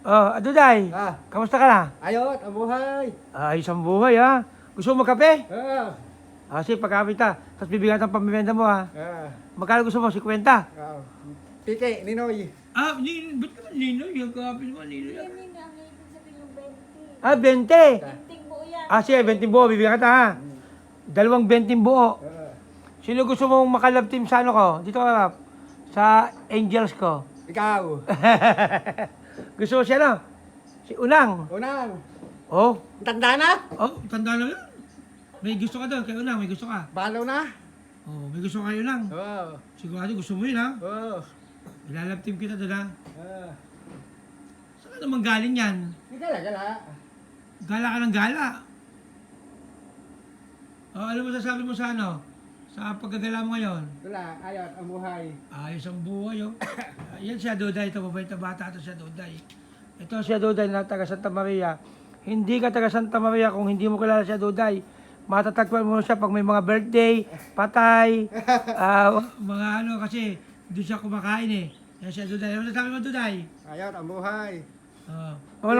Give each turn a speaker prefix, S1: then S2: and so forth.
S1: Oh, Duday. Kamusta ka na?
S2: Ayot, ang buhay.
S1: Ayos ang buhay, ha? Gusto mo magkape?
S2: Ah,
S1: Sige, pagkape ta. Tapos bibigyan ng pamimenda mo, ha? Magkano gusto mo? 50?
S2: Pike, Ninoy.
S1: Ba't naman Ninoy? Yung kape naman Ninoy.
S3: Yan yun ang ibig sabihin yung 20.
S1: 20.
S3: Tinting buo yan.
S1: Sige, 20 buo. Bibigyan ka ta, ha? Dalawang 20 buo. Sino gusto mong makalab team sa ano ko? Dito ka, sa Angels ko.
S2: Ikaw.
S1: Gusto mo siya, no? Si Unang.
S2: Unang.
S1: Oh.
S2: Tanda na?
S1: Tanda na yun. May gusto ka doon, kay Unang, may gusto ka.
S2: Balaw na?
S1: May gusto ka kay Unang.
S2: Oo.
S1: Sigurado gusto mo yun, ha?
S2: Oo.
S1: Ilalab team kita doon, ha? Saan ka naman galing yan?
S2: Gala.
S1: Gala ka ng gala. Ano mo sasabi mo sa ano? Sa pagkagala mo ngayon?
S2: Wala, ayot, ang buhay.
S1: Ayos ang buhay, oh. Yan siya, Duday. Ito, mabait na bata. Ito siya, Duday. Ito siya, Duday, na taga Santa Maria. Hindi ka taga Santa Maria kung hindi mo kilala siya, Duday. Matatagpuan mo siya pag may mga birthday, patay, mga ano, kasi doon siya kumakain, eh. Yan siya, Duday. Ano sasabi mo, Duday?
S2: Ayot, ang buhay.